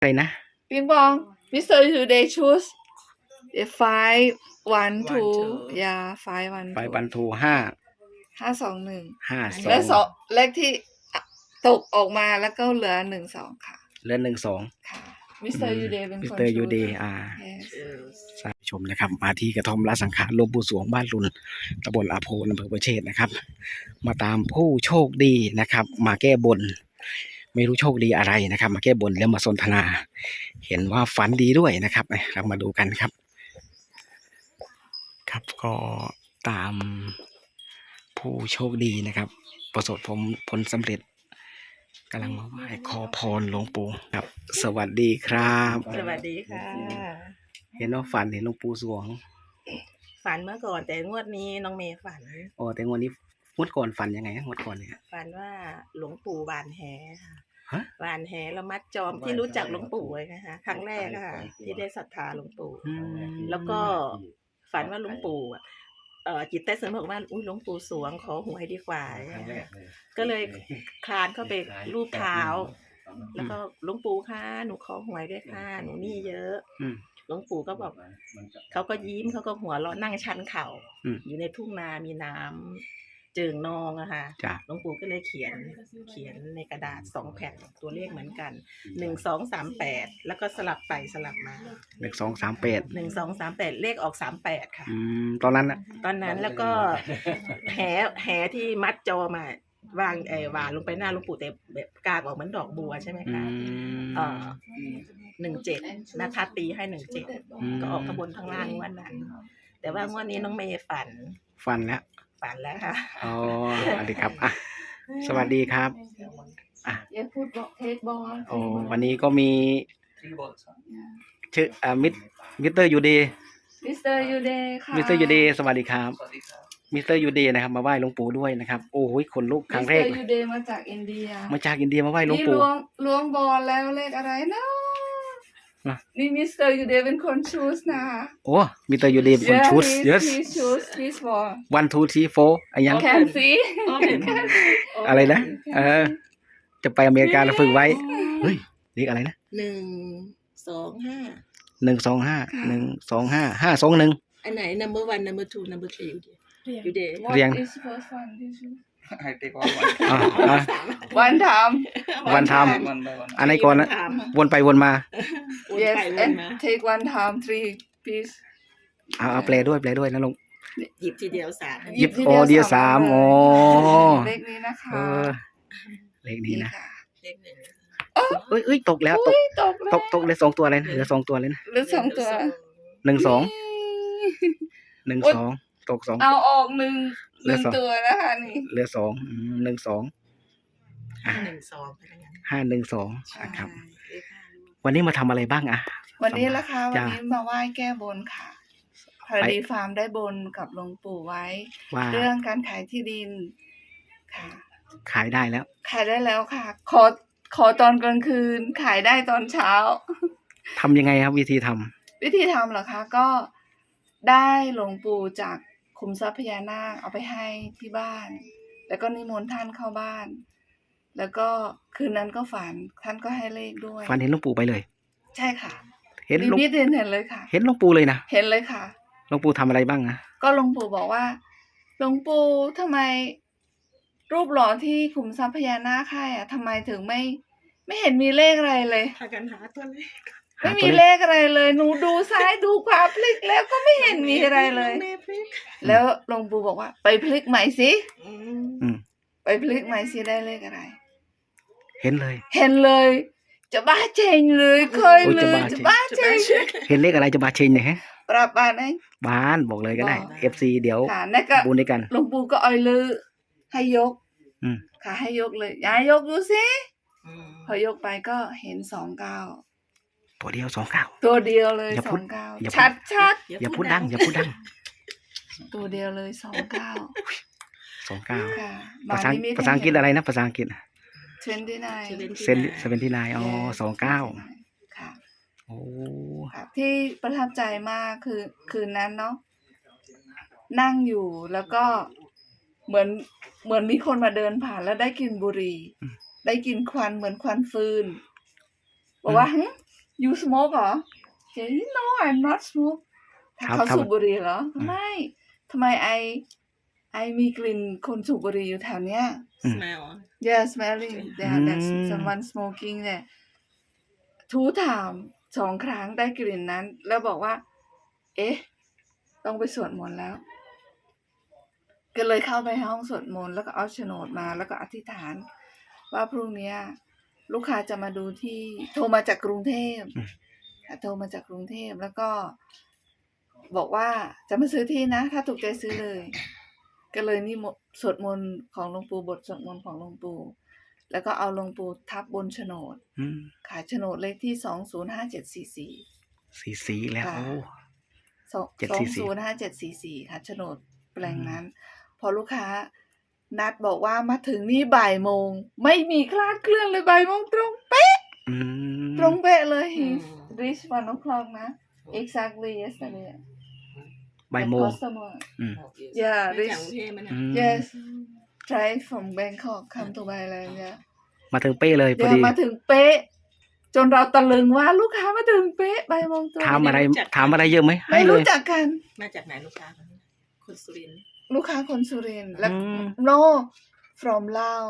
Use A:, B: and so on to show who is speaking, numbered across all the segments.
A: อะไรนะ
B: ปิงปอง Mr. Today choose the 512 yeah 512
A: 512
B: 521 และ
A: 522
B: เลขที่ตกออกมาแล้วก็เหลือ12ค่ะ
A: เหลือ12
B: ค่ะ Mr. Today เป็นคน
A: Mr. Uday
B: yes
A: สาธุชมนะครับมาที่กระท่อมละสังขารหลวงปู่สวงบ้านรุนตำบลอาโพนอำเภอประเชษนะครับมาตามผู้โชคดีนะครับมาแก้บนไม่รู้โชคดีอะไรนะครับมาแก้บนแล้วมาสนทนาเห็นว่าฝันดีด้วยนะครับเรามาดูกันครับครับก็ตามผู้โชคดีนะครับประสบผลสำเร็จกำลังมาไหว้ขอพรหลวงปู่ครับสวัสดีครับ
C: สวัสดีค่ะ
A: เห็นว่าฝันเห็นหลวงปู่สวง
C: ฝันเมื่อก่อนแต่งวดนี้น้องเมย์ฝัน
A: อ๋อแต่งวดนี้งวดก่อนฝันยังไงงวดก่อนเนี่ย
C: ฝันว่าหลวงปู่หวานแหค่ะ
A: ฮะ
C: หวานแหแล้วมัดจอมที่รู้จักหลวงปู่เลยนะคะครั้งแรกค่ะที่ได้ศรัทธาหลวงปู่ แล้วก็ฝันว่าหลวงปู่จิตใต้สำนึกบอกว่าอุ้ยหลวงปู่สวงขอหวยดีกว่าก็เลยคลานเข้าไปรูปเท้า แล้วก็หลวงปู่ค่ะหนูขอหวยด้วยค่ะหนูนี่เยอะหลวงปู่ก็บอกเขาก็ยิ้มเขาก็หัวเราะนั่งชันเข่าอยู่ในทุ่งนามีน้ำเจิ่งนองอะค่ะหลวงปู่ก็เลยเขียนในกระดาษ2 แผ่นตัวเลขเหมือนกัน1238แล้วก็สลับไปสลับมา
A: 1238
C: 1238เลขออก38ค่ะ
A: ตอนนั้น
C: แล้วก็แหที่มัดจอมาวางวางลงไปหน้าหลวงปู่แต่แบบกากออกเหมือนดอกบัวใช่ไหมคะ17นะคะตีให้17ก็ออกข้างบนข้างล่างวันนั้นแต่ว่างวดนี้น้องเมย์ฝันแล้วค่ะ
A: อ๋อสวัสดีครับอ่ะสวัสดีครับอ่ะ
B: อย่าพูดบอกเทคบอล
A: โอ้วันนี้ก็มีชื่อมิสเตอร์ยูเดย์
B: Mr. Today ค่ะ
A: มิสเตอร์ยูเดย์สวัสดีครับมิสเตอร์ยูเดย์นะครับมาไหว้หลวงปู่ด้วยนะครับโอ้ยขนลุกครั้งแรก
B: Mr. Today มาจากอินเดีย
A: มาไหว้หลวงปู่
B: ล้วงบอลแล้วเลขอะไรนะนี่ Mr. Today เป็นคนชูสนะ
A: โอ้มิสเตอร์ยูเดย์เป็นคนชูส yes
B: he choose his ball
A: 1 2 3 4อะไรยัง
B: can see
A: อะไรนะจะไปอเมริกาแล้วฝึกไว้เฮ้ยเรียกอะไรนะ
C: 125
A: 521
C: อันไหน number 1 number 2 number 3 อยู่เดย์
A: เรียง
B: is first one
D: I take all
B: one time
A: อันไหนก่อนนะวนไปวนมา
B: yes and take one time 3 piece
A: เอาแปลด้วยนะลุง
C: หยิบทีเดียว3
A: หยิบเดียว3อ๋อ
B: เลขนี้นะคะ
A: เลขนี้นะ
C: เลข1
A: เอ้ยตกแล้วตกเลย2ตัวเลยนะเหลือ2ตัวเลยนะ
B: เหลือ2ตัว
A: 12ตก2
B: เอาออก1ตัวนะคะนี่
A: เหลือ2 12 512ครับวันนี้มาทำอะไรบ้าง
B: วันนี้ละค่ะวันนี้มาไหว้แก้บนค่ะพอดีฟาร์มได้บนกับหลวงปู่ไว้เรื่องการขายที่ดินค่ะ
A: ขายได้แล้ว
B: ค่ะขอตอนกลางคืนขายได้ตอนเช้า
A: ทำยังไงครับวิธีท
B: ำเหรอคะก็ได้หลวงปู่จากขุมทรัพย์พญานาคเอาไปให้ที่บ้านแล้วก็นิมนต์ท่านเข้าบ้านแล้วก็คืนนั้นก็ฝันท่านก็ให้เลขด้วย
A: ฝันเห็นหลวงปู่ไปเลย
B: ใช่ค่ะ
A: เห็นหลวงปู่
B: เห็นเลยค่ะ
A: เห็นหลวงปู่เลยนะ
B: เห็นเลยค่ะ
A: หลวงปู่ทำอะไรบ้าง
B: ก็หลวงปู่บอกว่าหลวงปู่ทำไมรูปหล่อที่ขุมทรัพย์พญานาคให้ทำไมถึงไม่เห็นมีเลขอะไรเลย
C: พากันหาตัวเลข
B: ไม่มีเลขอะไรเลยหนูดูซ้ายดูขวาพลิกแล้วก็ไม่เห็นมีอะไรเลยแล้วหลวงปู่บอกว่าไปพลิกใหม่สิไปพลิกใหม่สิได้เลขอะไร
A: เห็น
B: เลยจะบ้าเชงเลยเคยเลยจะบ้าเชง
A: เห็นเลขอะไรจะบ้าเชงเนี่ยฮะ
B: ปรับบ้านไหม
A: บ้านบอกเลยก็ได้ FC เดี๋ยวบุญด้วยกัน
B: หลวงปู่ก็อ่อยเลยให้ยกค่ะให้ยกเลยยายยกดูสิพอยกไปก็เห็น29
A: ตัวเดียว
B: ตัวเดียวเลย29ชัด
A: อย่าพูดดัง
B: ตัวเดียวเลย29
A: ค่ะภาษาอังกฤษอะไรนะภาษาอังกฤษ79อ๋อ29
B: ค่ะ
A: โอ้
B: ที่ประทับใจมากคือคืนนั้นเนาะนั่งอยู่แล้วก็เหมือนมีคนมาเดินผ่านแล้วได้กลิ่นบุหรี่ได้กลิ่นควันเหมือนควันฟืนบอกว่า you smoke เหรอ no I'm not smoke
A: ครับ
B: เขาสูบบุหรี่เหรอ ไม่ทำไมไอมีกลิ่นคนสูบบุหรี่อยู่แถวเนี้ย
C: smell
B: yeah smelling there that's someone smoking เนี่ยทูถาม2 ครั้งได้กลิ่นนั้น แล้วบอกว่า เอ๊ะ ต้องไปสวดมนต์แล้ว ก็เลยเข้าไปห้องสวดมนต์แล้วก็เอาโฉนดมาแล้วก็อธิษฐาน ว่าพรุ่งนี้ลูกค้าจะมาดูที่โทรมาจากกรุงเทพโทรมาจากกรุงเทพแล้วก็ บอกว่าจะมาซื้อที่นะ ถ้าถูกใจซื้อเลย ก็เลยนี่สวดมนต์ของหลวงปู่บทสวดมนต์ของหลวงปู่แล้วก็เอาหลวงปู่ทับบนโฉนดขายโฉนดเลขที่205744
A: สีสีแล้วโอ้
B: 205744ค่ะโฉนดแปลงนั้น พอลูกค้านัดบอกว่ามาถึงนี่บ่ายโมงไม่มีคลาดเคลื่อนเลยบ่ายโมงตรงเป๊ะตรงเป๊ะเลย reach 1 o'clock นะ exactly yesterday
A: บ่ายโมง
B: yeah
C: มาจากกรุงเทพมัน
B: yes drive from Bangkok come to Thailand yeah
A: มาถึงเป้เลยพอดี
B: มาถึงเป๊ะจนเราตะลึงว่าลูกค้ามาถึงเป๊ะบ่ายโมงตรง
A: ถามอะไรเยอะไหมให้
B: ไม่
A: เล
B: รู้
A: ย
B: จักกัน
C: มาจากไหนลูกค้าคนสุรินทร์
B: ลูกค้าคนสุรินทร์และ no from Lao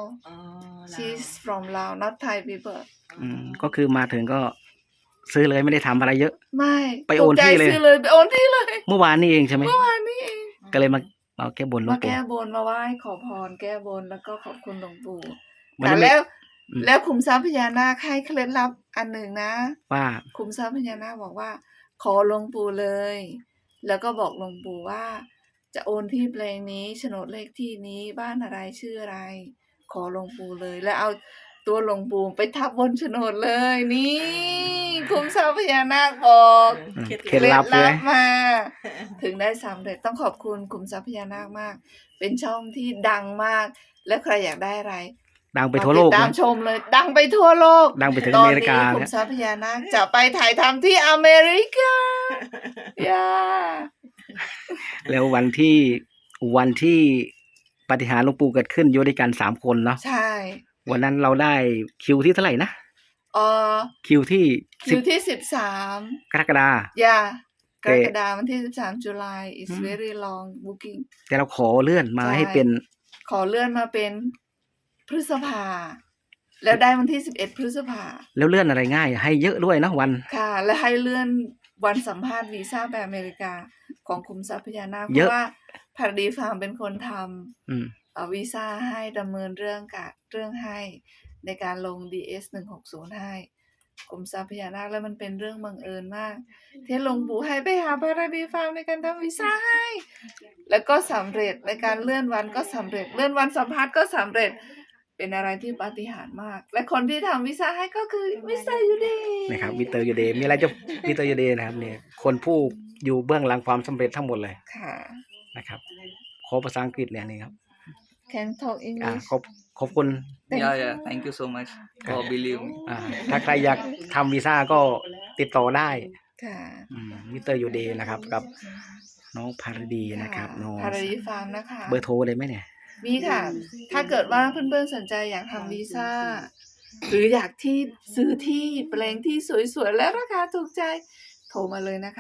B: she's from Lao not Thai people
A: ก็คือมาถึงก็ซื้อเลยไม่ได้ทำอะไรเยอะ
B: ไม่
A: ไปโอนที่เลย
B: ซื้อเลยไปโอนที่เลย
A: เมื่อวานนี่เองใช่ไหม
B: เมื่อวานนี้เอง
A: ก็เลยมาแก้บนหลว
B: มาง
A: ปู่
B: แก้บนมาไหว้ขอพรแก้บนแล้วก็ขอบคุณหลวงปู่
A: วัน
B: แต่
A: นั้นไม่
B: แล้วขุมทรัพย์พญานาคให้เคล็ดลับอันหนึ่งนะ
A: ว่า
B: ขุมทรัพย์พญานาคบอกว่า ขอหลวงปู่เลย แล้วก็บอกหลวงปู่ว่า จะโอนที่แปลงนี้โฉนดเลขที่นี้บ้านอะไรชื่ออะไร ขอหลวงปู่เลย แล้วเอาตัวหลวงปู่ไปทับบนโฉนดเลยนี่ขุมทรัพย์พญานาคบอก
A: เคล็ดลับเลย
B: มา ถึงได้สำเร็จต้องขอบคุณขุมทรัพย์พญานาคมาก เป็นช่องที่ดังมาก และใครอยากได้อะไร
A: ดังไปทั่วโลก
B: ติดตาม
A: นะ
B: ชมเลย ดังไปทั่วโลก
A: ดังไปถึง
B: ต
A: อ
B: อน
A: เมริกา
B: นี้ขุ
A: เนี่
B: ม
A: ย
B: ทรัพย์พญานาคจะไปถ่ายทำที่อเมริกาย่า
A: แล้ววันที่ปาฏิหาริย์หลวงปู่เกิดขึ้นอยู่ด้วยกัน3 คนเนาะ
B: ใช่
A: วันนั้นเราได้คิวที่เท่าไหร่นะ คิวที่
B: คิวที่
A: กรกฎาคม
B: ย่ากรกฎาคมวันที่13 จุลาย is very long booking
A: แต่เราขอเลื่อนมาให้เป็น
B: ขอเลื่อนมาเป็นพฤษภา แล้วได้วันที่11 พฤษภา
A: แล้วเลื่อนอะไรง่าย ให้เยอะด้วยนะวัน
B: ค่ะ และให้เลื่อนวันสัมภาษณ์วีซ่าไปอเมริกาของคุมทรัพยานาคเพ
A: เยอะ
B: ราะว่าพาราดีฟาร์มเป็นคนท
A: อืม
B: ำวีซ่าให้ดำเนินเรื่องให้ในการลง DS 160ให้คุมทรัพยานาคแล้วมันเป็นเรื่องบังเอิญมาก ที่หลวงปู่ให้ไปหาพาราดีฟาร์มในการทำวีซ่าให้ แล้วก็สำเร็จในการเลื่อนวันก็สำเร็จเลื่อนวันสัมภาษณ์ก็สำเร็จ เป็นอะไรที่ปาฏิหาริย์มาก และคนที่ทำวีซ่าให้ก็คือมิสเตอร์ยูเดย์
A: นะครับวิเตอร์ยูเดย์มีอะไรจะวิเตอร์ยูเดย์นะครับเนี่ยคนผู้อยู่เบื้องหลังความสำเร็จทั้งหมดเลย
B: ค่ะ
A: นะครับขอภาษาอังกฤษเนี่ยนี่ครับ
B: Can talk English
A: ขอบคุณ
D: Yeah, thank you so much for believe me.
A: ถ้าใครอยากทำวีซ่าก็ติดต่อได้
B: ค่ะ
A: วิเตอร์ยูเดย์นะครับกับน้องพารดีนะครับน้อง
B: พาราดีฟาร์มนะคะ
A: เบอร์โทรเลยไหมเนี่ย
B: มีค่ะ ถ้าเกิดว่าเพื่อนๆสนใจอยากทำวีซ่า หรืออยากที่ซื้อที่แปลงที่สวยๆ และราคาถูกใจ โทรมาเลยนะคะ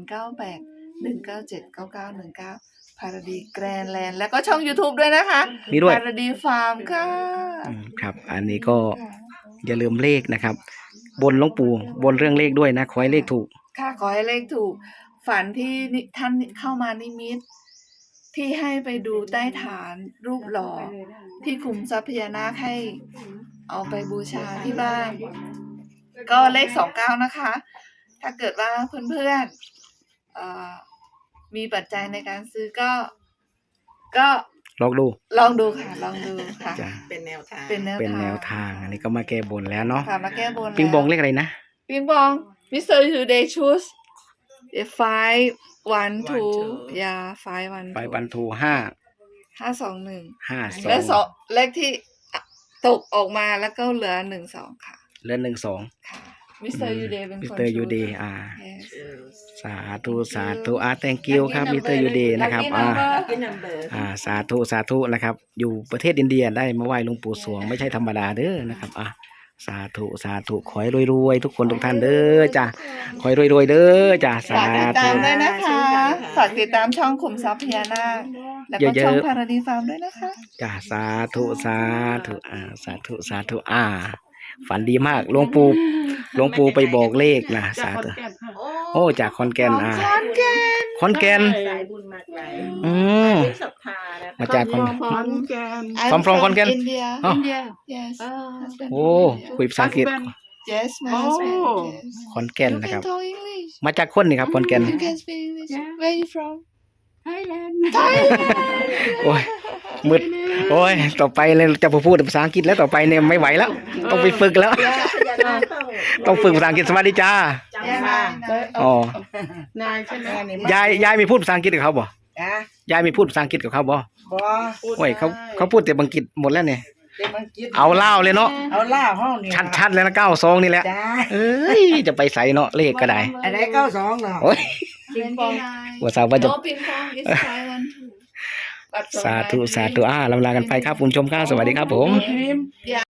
B: 098-197-9919 พาราดีแกรนด์แลนด์แล้วก็ช่อง YouTube ด้วยนะคะ
A: มีด้วย
B: พาราดีฟาร์มค่ะ
A: ครับ อันนี้ก็อย่าลืมเลขนะครับ บนหลวงปู่บนเรื่องเลขด้วยนะขอให้เลขถูก
B: ค่ะขอให้เลขถูก ฝันที่ท่านเข้ามานิมิต ที่ให้ไปดูใต้ฐานรูปหล่อ ที่คุมทรัพยานาคให้เอาไปบูชาที่บ้าน ก็เลข29นะคะ ถ้าเกิดว่าเพื่อนๆมีปัจจัยในการซื้อก็
A: ลองดู
B: ลองดูค่ะ ลองดูค่ะ
A: จ้ะ
C: เป็นแนวทาง
B: เป็นแนว
A: เป็นแนวทาง อันนี้ก็มาแก้บนแล้วเนาะ
B: ค่ะมาแก้บน
A: ปิงบองเลขอะไรนะ
B: ปิงบองมิสเตอร์ยูเดย์ชูส 512 yeah 512
A: ไปบันทู
B: 521
A: 5
B: และ
A: 2
B: เลขที่ตกออกมาแล้วก็เหลือ12ค่ะ
A: เลื่อน12
B: ค่ะมิสเตอร์ยูเดย์เป็นคน
A: มิสเตอร์ยูเดย์
B: Yes
A: สาธุthank you ครับมิสเตอร์ยูเดย์นะครับ
C: Lucky number
A: สาธุนะครับ อยู่ประเทศอินเดียได้มาไหว้หลวงปู่สวงไม่ใช่ธรรมดาเด้อนะครับสาธุสาธุขอให้รวยๆทุกคนทุกท่านเด้อจ้ะขอให้รวยๆเด้อจ้ะสา
B: ฝากติดตา
A: ธุ
B: มด้วยนะคะ ฝากติดตามช่องขุมทรัพย์พญานาคแล้วก็
A: เยอะๆ
B: ช่องพาราดีฟาร์มด้วยนะคะ
A: จ้ะสาธุสาธุสาธุสาธุฝันดีมากหลวงปู่ไปบอกเลขนะสาธุโอ้จากขอนแก่นขอนแก่น
C: สายบุญมาไกล
A: อืม
C: ที่ศรัทธานะ
A: มาจากขอน
B: I'm
A: from Konkan?
B: India.
A: อ๋อ
B: Yes. Husband
A: โอ้คุยภาษาอังกฤษ
B: Yes, my husband. Yes.
A: ขอนแก่น
B: You
A: นะค
B: can
A: รับ
B: talk English.
A: มาจากคนนี่ครับขอนแก่น
B: You can speak English. Where are you from?
E: Thailand.
A: Ôi, มืดโอ้ยต่อไปเลยจะพูดภาษาอังกฤษแล้วต่อไปเนี่ยไม่ไหวแล้ว ต้องไปฝึกแล้ว
C: พญานาค
A: ต้องฝึกภาษาอังกฤษสวัสดีจ้า
C: จำมา
A: อ๋อ
E: นายใช่ไหม
A: ยายมีพูดภาษาอังกฤษกับเขาบ่
F: จ้ะ
A: ยายมีพูดภาษาอังกฤษกับเขาบ่
F: บ่
A: โอ้ยเขาพูดแต่อังกฤษหมดแล้วเนี่ย
F: เดี๋ยวมันกิน
A: เอาเล่าวเลยเนาะ
F: เอาล่าห้องนี่
A: ชัดๆเลยนะ92นี่แหละ
F: จ้า
A: เอ้ยจะไปใส่เนาะเลขก็ได้
F: อะไร92เนาะ
A: โอ้ย
B: 29.
A: ว่าสาวว่าจะ
B: No ping pong is Thailand too. But from
A: สาธุ
B: Thailand.
A: สาธุลำลากันไปครับคุณผู้ชมครับสวัสดีครับผม
E: พิมพ์